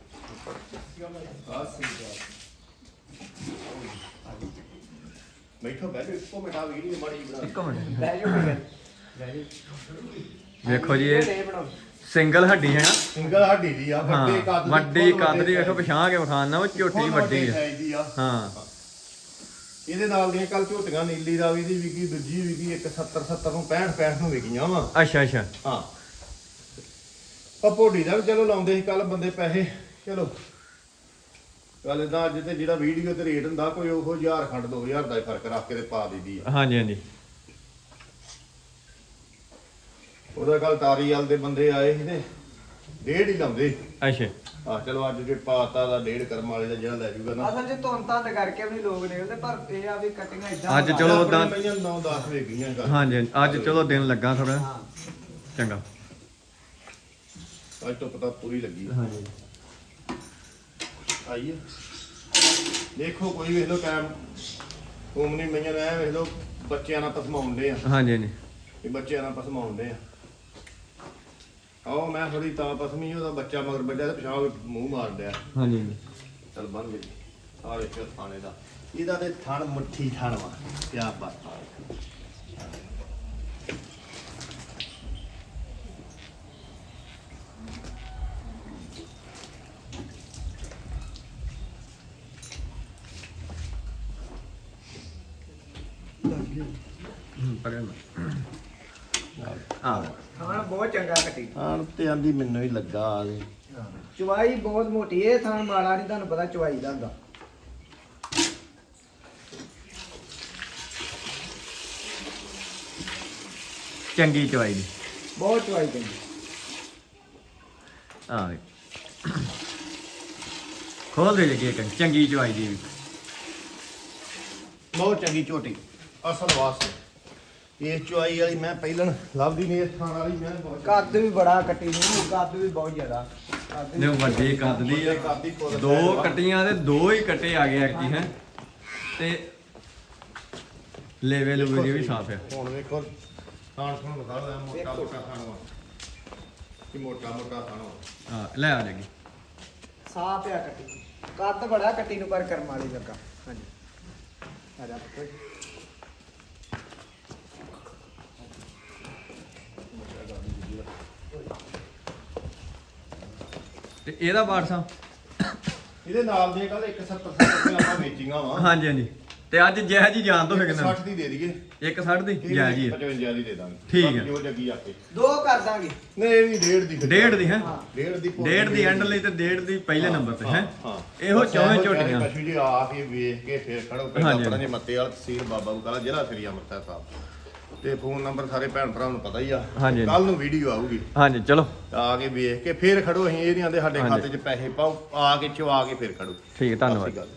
[SPEAKER 2] ਬੈਠੋ ਬੈਠੋ ਇੱਕੋ ਮਿੰਟ ਆ ਵੀਡੀਓ ਮਾੜੀ ਜਿਹੀ ਬਣਾ
[SPEAKER 1] ਇੱਕ ਮਿੰਟ
[SPEAKER 3] ਲੈ ਜਾਓ ਕੋਈ ਗੱਲ
[SPEAKER 1] ਵੇਖੋ ਜੀ ਇਹ
[SPEAKER 3] ਨਹੀਂ ਬਣਾਓ
[SPEAKER 1] ਸਿੰਗਲ ਹੱਡੀ ਹੈ ਨਾ
[SPEAKER 2] ਸਿੰਗਲ ਹੱਡੀ ਦੀ ਆ
[SPEAKER 1] ਹਾਂ
[SPEAKER 2] ਵੱਡੇ ਕੱਦ ਦੀ
[SPEAKER 1] ਵੱਡੀ
[SPEAKER 2] ਫੁੱਲ
[SPEAKER 1] ਕੱਦ ਦੀ
[SPEAKER 2] ਵੱਡੇ
[SPEAKER 1] ਵੇਖੋ ਪਛਾਂ ਕੇ ਵਿਖਾਣਾ ਉਹ ਝੋਟੀ ਵੱਡੀ ਹੈ
[SPEAKER 2] size ਦੀ ਆ
[SPEAKER 1] ਹਾਂ
[SPEAKER 2] ਇਹਦੇ ਨਾਲ ਦੀਆਂ ਕੱਲ ਝੋਟੀਆਂ ਨੀਲੀ ਰਾਵੀ ਦੀ ਵਿਕੀ ਦੂਜੀ ਵਿਕੀ ਇੱਕ 70 ਨੂੰ 65 ਨੂੰ ਵਿਕੀਆਂ ਵਾ
[SPEAKER 1] ਅੱਛਾ ਅੱਛਾ
[SPEAKER 2] ਹਾਂ ਭੋਡੀ ਦਾ ਵੀ ਚਲੋ ਲਾਉਂਦੇ ਸੀ ਕੱਲ ਬੰਦੇ ਪੈਸੇ ਚਲੋ ਗੱਲ ਇਦਾਂ ਅੱਜ ਤੇ ਜਿਹੜਾ ਵੀਡੀਓ ਤੇ ਰੇਟ ਹੁੰਦਾ ਕੋਈ ਉਹ 1000 ਖੰਡ 2000 ਦਾ ਹੀ ਫਰਕ ਰੱਖ ਕੇ ਤੇ ਪਾ ਦਿੱਦੀ ਆ
[SPEAKER 1] ਹਾਂਜੀ ਹਾਂਜੀ
[SPEAKER 2] ਉਹਦਾ ਕੱਲ ਤਾਰੀਵਾਲ ਦੇ ਬੰਦੇ ਆਏ ਸੀ ਤੇ ਡੇਢ ਹੀ ਲਾਉਂਦੇ
[SPEAKER 1] ਅੱਛਾ
[SPEAKER 2] ਆ ਚਲੋ ਅੱਜ ਜੇ ਪਾਤਾ ਦਾ ਡੇਢ ਕਰਮ ਵਾਲੇ ਦਾ ਜਿਹੜਾ ਲੈ ਜੂਗਾ ਨਾ
[SPEAKER 3] ਅਸਲ 'ਚ ਧੁੰਨ ਧੰਦ ਕਰਕੇ ਵੀ ਲੋਕ ਨਿਕਲਦੇ ਪਰ ਇਹ ਆ ਵੀ ਕਟਿੰਗਾਂ ਇਦਾਂ
[SPEAKER 1] ਅੱਜ ਚਲੋ ਉਦਾਂ
[SPEAKER 2] 9-10 ਵੇ ਗਈਆਂ ਗੱਲ
[SPEAKER 1] ਹਾਂਜੀ ਹਾਂਜੀ, ਅੱਜ ਚਲੋ ਦਿਨ ਲੱਗਾ ਥੋੜਾ
[SPEAKER 3] ਹਾਂ
[SPEAKER 1] ਚੰਗਾ
[SPEAKER 2] ਅੱਜ ਤੋਂ ਪਤਾ ਪੂਰੀ ਲੱਗੀ
[SPEAKER 1] ਹਾਂਜੀ
[SPEAKER 2] ਆਈਏ ਦੇਖੋ ਕੋਈ ਵੇਖ ਲੋ ਟਾਈਮ ਉਮਨੀ ਮਈਆਂ ਐ ਵੇਖ ਲੋ ਬੱਚਿਆਂ ਨਾਲ ਪਸਮਾਉਂਦੇ ਆ
[SPEAKER 1] ਹਾਂਜੀ ਹਾਂਜੀ
[SPEAKER 2] ਇਹ ਬੱਚਿਆਂ ਨਾਲ ਪਸਮਾਉਂਦੇ ਆ ਆਓ ਮੈਂ ਥੋੜੀ ਤਾਂ ਪਸਮੀ ਉਹਦਾ ਬੱਚਾ ਮਗਰ ਬੱਜਾ ਤੇ ਪਿਛਾਂ ਮੂੰਹ ਮਾਰ ਲਿਆ
[SPEAKER 1] ਹਾਂਜੀ ਹਾਂਜੀ
[SPEAKER 2] ਚਲ ਬੰਨ ਗਈ ਆ ਵੇਖੋ ਥਾਣੇ ਦਾ ਇਹਦਾ ਤੇ ਥਣ ਮੁੱਠੀ ਥਣ ਵਾ ਕਿਆ ਬਾਤ
[SPEAKER 1] ਪਰੇ ਆ
[SPEAKER 3] ਥਾਣ ਬਹੁਤ ਚੰਗਾ ਕੱਟੀ
[SPEAKER 2] ਹਾਂ ਤੇ ਆਂਦੀ ਮੈਨੂੰ ਹੀ ਲੱਗਾ ਆਲੇ
[SPEAKER 3] ਚਵਾਈ ਬਹੁਤ ਮੋਟੀ ਇਹ ਥਾਣ ਮਾੜਾ ਨਹੀਂ ਤੁਹਾਨੂੰ ਪਤਾ ਚਵਾਈ ਦਾ ਹੁੰਦਾ
[SPEAKER 1] ਚੰਗੀ ਚਵਾਈ ਦੀ
[SPEAKER 3] ਬਹੁਤ ਚਵਾਈ ਚੰਗੀ
[SPEAKER 1] ਆ ਖੋਲ ਦੇ ਜੀ ਇੱਕ ਚੰਗੀ ਚਵਾਈ ਦੀ ਵੀ।
[SPEAKER 2] ਬਹੁਤ ਚੰਗੀ ਝੋਟੀ ਅਸਲ ਵਾਸਤੇ ਇਸ ਚੁਆਈ ਵਾਲੀ ਮੈਂ ਪਹਿਲਣ ਲੱਭਦੀ ਨਹੀਂ, ਇਸ ਥਾਣ ਵਾਲੀ ਮੈਂ ਬਹੁਤ
[SPEAKER 3] ਕੱਦ ਵੀ ਬੜਾ ਕੱਟੀ ਨੂੰ, ਕੱਦ ਵੀ ਬਹੁਤ ਜ਼ਿਆਦਾ ਕੱਦ
[SPEAKER 1] ਨੇ ਵੱਡੀ ਕੱਦ ਦੀ ਆ।
[SPEAKER 2] ਕੱਦ ਦੀ ਫੁੱਲ
[SPEAKER 1] ਦੋ
[SPEAKER 2] size ਆ।
[SPEAKER 1] ਕੱਟੀਆਂ ਤੇ ਦੋ ਹੀ ਕੱਟੇ ਆ ਗਏ ਐਰਕੀ ਹੈ ਤੇ ਲੇਵੇ ਲੂਵੇ ਵੀ ਸਾਫ ਆ।
[SPEAKER 2] ਹੁਣ ਵੇਖੋ ਥਾਣ ਥਾਣ ਦਿਖਾ ਲੈ, ਮੋਟਾ ਮੋਟਾ ਥਾਣ ਵਾ ਕਿ ਮੋਟਾ ਮੋਟਾ ਥਾਣ ਵਾ।
[SPEAKER 1] ਹਾਂ ਲੈ ਆ ਜਾਗੀ।
[SPEAKER 3] ਸਾਫ ਆ ਕੱਟੀ, ਕੱਦ ਬੜਾ ਕੱਟੀ ਨੂੰ ਪਰ ਕਰਮ ਵਾਲੀ ਲੱਗਾ। ਹਾਂਜੀ ਆ ਜਾ ਪੁੱਤ।
[SPEAKER 1] ਤੇ ਇਹਦਾ ਬਾੜ ਸਾਹਿਬ
[SPEAKER 2] ਇਹਦੇ ਨਾਲ ਦੀਆਂ ਕੱਲ 170 ਰੁਪਏ ਆਪਾਂ ਵੇਚੀਆਂ ਵਾ।
[SPEAKER 1] ਹਾਂਜੀ ਹਾਂਜੀ ਤੇ ਅੱਜ ਜੈ ਜੀ ਜਾਣ ਤੋਂ ਕਿੰਨਾ
[SPEAKER 2] 60 ਦੀ ਦੇ ਦਈਏ,
[SPEAKER 1] 160 ਦੀ ਜੈ ਜੀ
[SPEAKER 2] 55 ਦੀ ਦੇ ਦਾਂਗੇ।
[SPEAKER 1] ਠੀਕ
[SPEAKER 2] ਬਾਕੀ
[SPEAKER 1] ਹੈ।
[SPEAKER 2] ਜੋ ਜੱਗੀ ਆਪੇ
[SPEAKER 3] ਦੋ ਕਰ ਦਾਂਗੇ।
[SPEAKER 2] ਨਹੀਂ ਇਹ ਵੀ ਡੇਢ ਦੀ
[SPEAKER 1] ਡੇਢ ਦੀ ਹੈ
[SPEAKER 3] ਹਾਂ
[SPEAKER 2] ਡੇਢ ਦੀ ਭੁੱਲ
[SPEAKER 1] ਡੇਢ ਦੀ ਐਂਡ ਲਈ ਤੇ ਡੇਢ ਦੀ ਪਹਿਲੇ ਨੰਬਰ ਤੇ ਹੈ
[SPEAKER 2] ਹਾਂ
[SPEAKER 1] ਇਹੋ
[SPEAKER 2] ਬਸ
[SPEAKER 1] ਚੌਵੇਂ
[SPEAKER 2] ਇਹੋ
[SPEAKER 1] ਝੋਟੀਆਂ।
[SPEAKER 2] ਪਸ਼ੂ ਜੀ ਆ ਕੇ ਵੇਖ ਕੇ ਫਿਰ ਖੜੋ ਪਿੰਡ
[SPEAKER 1] ਹਾਂਜੀ।
[SPEAKER 2] ਆਪਣਾ ਜੇ ਮੱਤੇ ਵਾਲਾ ਤਹਿਸੀਲ ਬਾਬਾ ਬਕਾਲਾ ਜ਼ਿਲ੍ਹਾ ਸ੍ਰੀ ਅੰਮ੍ਰਿਤਸਰ ਸਾਹਿਬ ਤੇ ਫੋਨ ਨੰਬਰ ਸਾਰੇ ਭੈਣ ਭਰਾਵਾਂ ਨੂੰ ਪਤਾ ਹੀ ਆ।
[SPEAKER 1] ਹਾਂਜੀ।
[SPEAKER 2] ਕੱਲ ਨੂੰ ਵੀਡੀਓ ਆਊਗੀ,
[SPEAKER 1] ਹਾਂਜੀ ਚਲੋ
[SPEAKER 2] ਆ ਕੇ ਵੇਖ ਕੇ ਫਿਰ ਖੜੋ। ਅਸੀਂ ਇਹ ਨਹੀਂ ਆਂਦੇ ਸਾਡੇ
[SPEAKER 1] ਹਾਂਜੀ।
[SPEAKER 2] ਖਾਤੇ 'ਚ ਪੈਸੇ ਪਾਓ, ਆ ਕੇ ਚਵਾ ਕੇ ਫਿਰ ਖੜੋ।
[SPEAKER 1] ਠੀਕ ਹੈ, ਧੰਨਵਾਦ।
[SPEAKER 2] ਸਤਿ ਸ਼੍ਰੀ ਅਕਾਲ।